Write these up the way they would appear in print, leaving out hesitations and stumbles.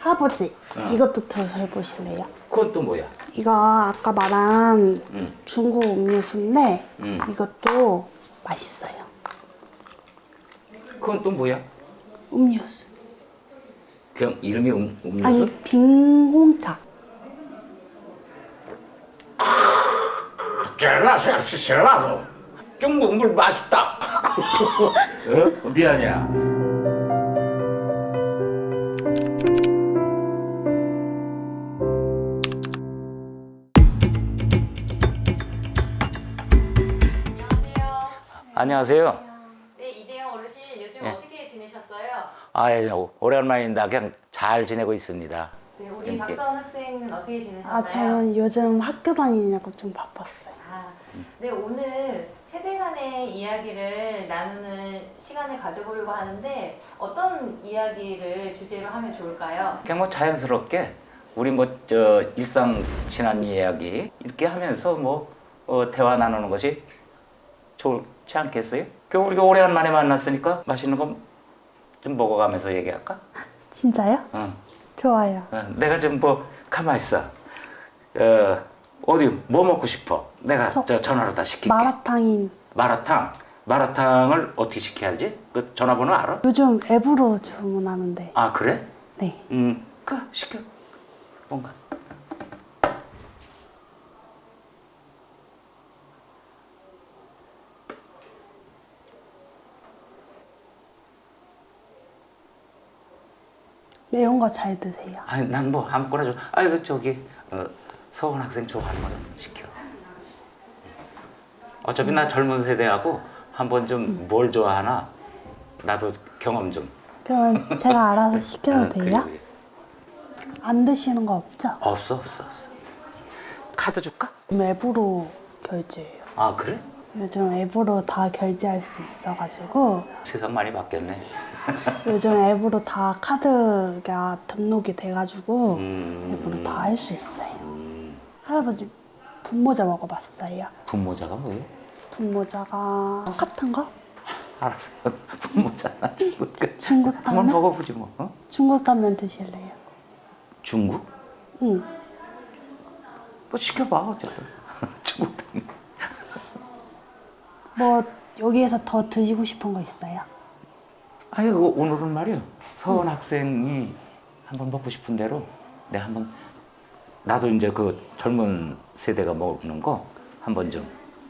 할아버지, 이것도 들어서 해보실래요? 그건 또 뭐야? 이거 아까 말한 중국 음료수인데 이것도 맛있어요. 그건 또 뭐야? 음료수. 그냥 이름이 음료수? 아니, 빙홍차. 젤라도 중국 물 맛있다. 어? 미안이야. 안녕하세요. 네, 이대영 어르신 요즘 예. 어떻게 지내셨어요? 예, 오랜만입니다. 그냥 잘 지내고 있습니다. 네, 우리 박서원 학생은 어떻게 지내셨나요? 아, 저는 요즘 학교 다니냐고 좀 바빴어요. 네, 오늘 세대 간의 이야기를 나누는 시간을 가져보려고 하는데 어떤 이야기를 주제로 하면 좋을까요? 그냥 뭐 자연스럽게 우리 일상 지난 이야기 이렇게 하면서 대화 나누는 것이 좋지 않겠어요? 우리가 오래간만에 만났으니까 맛있는 거 좀 먹어가면서 얘기할까? 진짜요? 응. 좋아요. 내가 좀 가만 있어. 어디 뭐 먹고 싶어? 내가 전화로 다 시킬게. 마라탕인. 마라탕을 어떻게 시켜야지? 그 전화번호 알아? 요즘 앱으로 주문하는데. 아 그래? 네. 시켜. 뭔가. 매운 거 잘 드세요? 아니 난 아무거나 좀. 서원 학생 좋아하는 거 좀 시켜. 어차피 나 젊은 세대하고 한번 좀 뭘 좋아하나 나도 경험 좀. 그러면 제가 알아서 시켜도 돼요? 그래. 안 드시는 거 없죠? 없어. 카드 줄까? 앱으로 결제해요. 아 그래? 요즘 앱으로 다 결제할 수 있어가지고 세상 많이 바뀌었네. 요즘 앱으로 다 카드가 등록이 돼가지고 앱으로 다 할 수 있어요. 할아버지 분모자 먹어봤어요? 분모자가 뭐예요? 분모자가 똑같은 거? 알았어. 분모자나 중국. 중국 한번 당면? 먹어보지 뭐. 어? 중국 당면 드실래요? 중국? 응. 뭐 시켜봐 어쨌든. 중국 당면. 뭐 여기에서 더 드시고 싶은 거 있어요? 아니 오늘은 말이야 서원 학생이 한번 먹고 싶은 대로 내가 한번 나도 이제 그 젊은 세대가 먹는 거 한번 좀.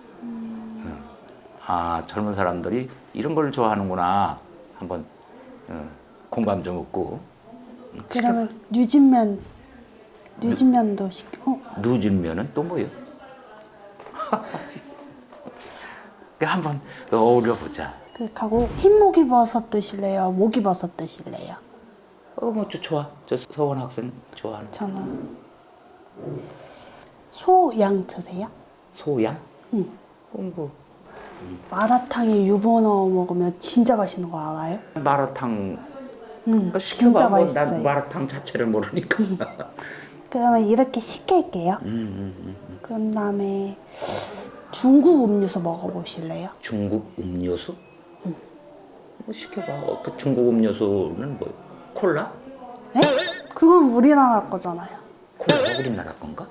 아 젊은 사람들이 이런 걸 좋아하는구나 한번 공감 좀 얻고. 그러면 뉴진면도 시켜. 누진면은 또 뭐예요? 한번 어울려 보자. 그하고 흰목이버섯 드실래요? 목이버섯 드실래요? 좋아. 저 서원 학생 좋아하는. 저는 소양 드세요? 소양? 응. 뭐 마라탕에 유부 넣어 먹으면 진짜 맛있는 거 알아요? 마라탕. 응. 시켜봐. 진짜 난 맛있어요. 마라탕 자체를 모르니까. 그러면 이렇게 시킬게요. 그런 다음에 중국 음료수 먹어보실래요? 중국 음료수? 시켜봐. 그 중국 음료수는 뭐예요? 콜라? 네? 그건 우리나라 거잖아요. 콜라가 우리나라 건가?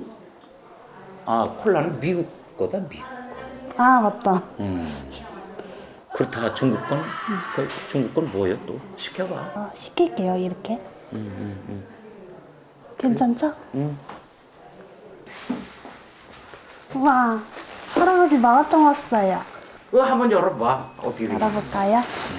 아 콜라는 미국 거다 미국. 아, 맞다. 그렇다 중국 건? 중국 건 뭐예요 또? 시켜봐. 시킬게요, 이렇게. 괜찮죠? 우와, 할아버지 마라탕 왔어요. 한번 열어봐. 어떻게 돼? 열어볼까요?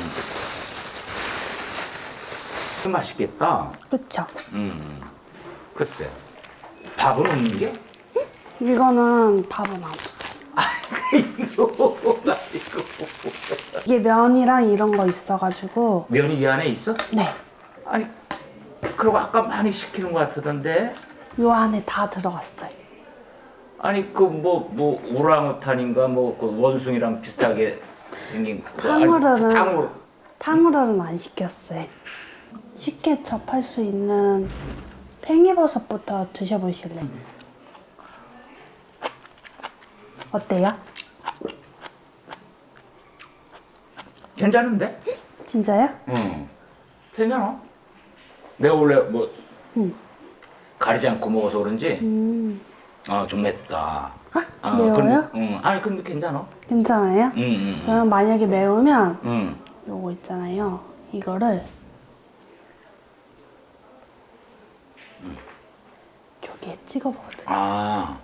맛있겠다. 그쵸? 글쎄. 밥은 없는 게? 이거는 밥은 없어요. 이거. 이게 면이랑 이런 거 있어가지고. 면이 이 안에 있어? 네. 아니 그리고 아까 많이 시키는 것 같던데. 요 안에 다 들어갔어요. 아니 오랑우탄인가 그 원숭이랑 비슷하게 생긴 탕후루는 안 시켰어요. 쉽게 접할 수 있는 팽이버섯부터 드셔보실래요? 어때요? 괜찮은데? 진짜요? 응. 괜찮아. 내가 원래 뭐 음. 가리지 않고 먹어서 그런지 음. 좀 맵다. 매워요? 근데, 아니 근데 괜찮아. 괜찮아요? 그럼 만약에 매우면 음. 요거 있잖아요. 이거를 저기에 찍어 먹어도 돼요. 아.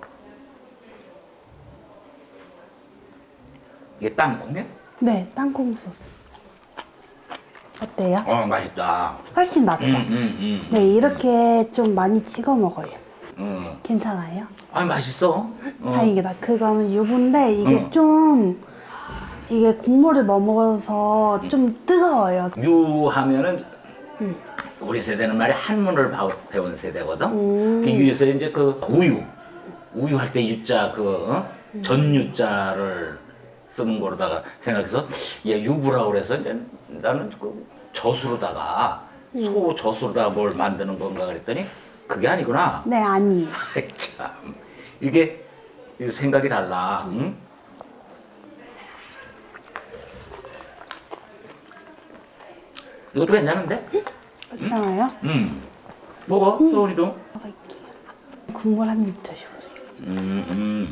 이게 땅콩이야? 네, 땅콩 소스. 어때요? 맛있다. 훨씬 낫죠? 네, 이렇게 좀 많이 찍어 먹어요. 괜찮아요? 아니 맛있어. 다행이다. 그거는 유부인데 이게 이게 국물을 머물어서 좀 뜨거워요. 유하면은 우리 세대는 말이 한문을 배운 세대거든. 그 유에서 이제 그 우유 할 때 유자 전유자를 쓰는 거로다가 생각해서 유부라고 그래서 이제 나는 그 젖으로다가 소 젖으로다가 뭘 만드는 건가 그랬더니 그게 아니구나. 네, 아니에요. 참 이게 생각이 달라. 응? 이것도 괜찮은데? 괜찮아요? 먹어, 소은이도. 먹을게요. 국물 한 입 드셔보세요.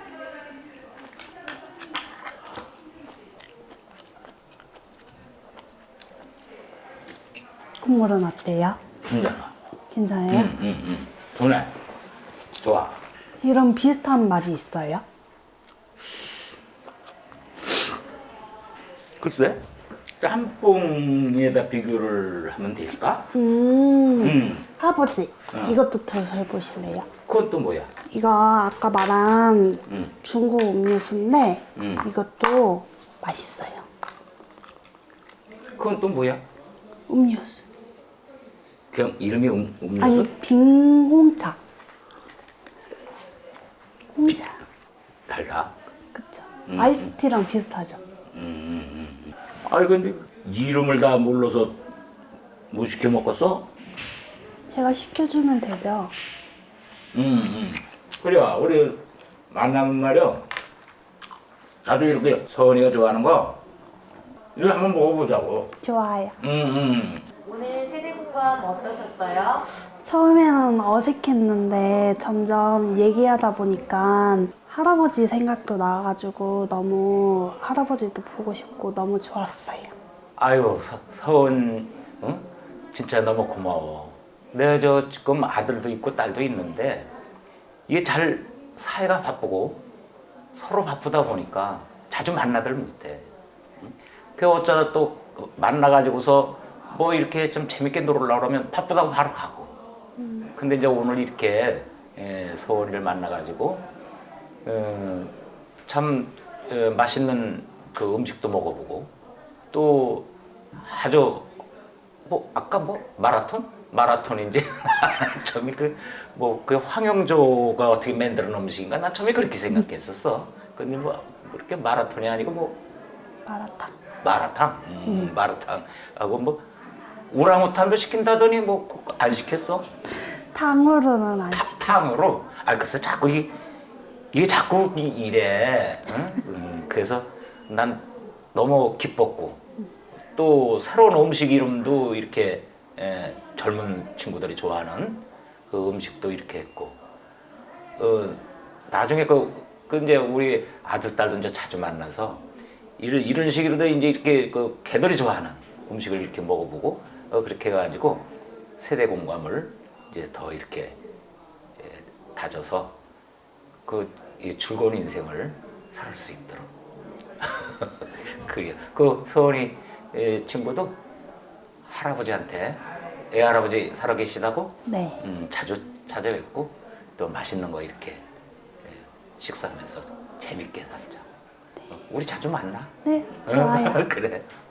국물은 어때요? 괜찮아. 괜찮아요? 좋네. 좋아. 이런 비슷한 맛이 있어요? 글쎄, 짬뽕에다 비교를 하면 될까? 할아버지, 이것도 드셔보실래요? 그건 또 뭐야? 이거 아까 말한 중국 음료수인데 이것도 맛있어요. 그건 또 뭐야? 음료수. 그냥 이름이 음료수? 아니, 빙홍차. 홍차. 달다. 그쵸. 아이스티랑 비슷하죠. 아니 근데 이름을 다 몰라서 못 시켜 먹었어? 제가 시켜주면 되죠. 그래, 우리 만나면 말이야. 나도 이렇게 서은이가 좋아하는 거 이거 한번 먹어보자고. 좋아요. 오늘 세대 공감 어떠셨어요? 처음에는 어색했는데 점점 얘기하다 보니까 할아버지 생각도 나가지고 너무 할아버지도 보고 싶고 너무 좋았어요. 아유, 서은, 응? 진짜 너무 고마워. 내가 저 지금 아들도 있고 딸도 있는데 이게 잘 사회가 바쁘고 서로 바쁘다 보니까 자주 만나들 못해. 응? 그 어쩌다 또 만나가지고서 뭐 이렇게 좀 재밌게 놀으려고 그러면 바쁘다고 바로 가고. 근데 이제 오늘 이렇게 서은이를 만나가지고 참 맛있는 그 음식도 먹어보고 또 아주 뭐 아까 뭐 마라톤인지 처음에 그 황영조가 어떻게 만드는 음식인가 난 처음에 그렇게 생각했었어. 근데 뭐 그렇게 마라톤이 아니고 뭐 마라탕 하고 뭐 우랑우탄도 시킨다더니 뭐 안 시켰어? 탕후루는 안 시켰어요. 탕으로? 글쎄 자꾸 이게 자꾸 이래. 응? 그래서 난 너무 기뻤고 또 새로운 음식 이름도 이렇게 젊은 친구들이 좋아하는 그 음식도 이렇게 했고 나중에 이제 우리 아들 딸도 이제 자주 만나서 이런 식으로도 이제 이렇게 그 걔들이 좋아하는 음식을 이렇게 먹어보고 그렇게 해가지고 세대 공감을 이제 더 이렇게 다져서 이 즐거운 인생을 살 수 있도록. 그게 그 서은이 친구도 할아버지한테 애할아버지 살아계시다고 네. 자주 찾아뵙고 또 맛있는 거 이렇게 식사하면서 재밌게 살자. 우리 자주 만나. 네, 좋아요. 그래.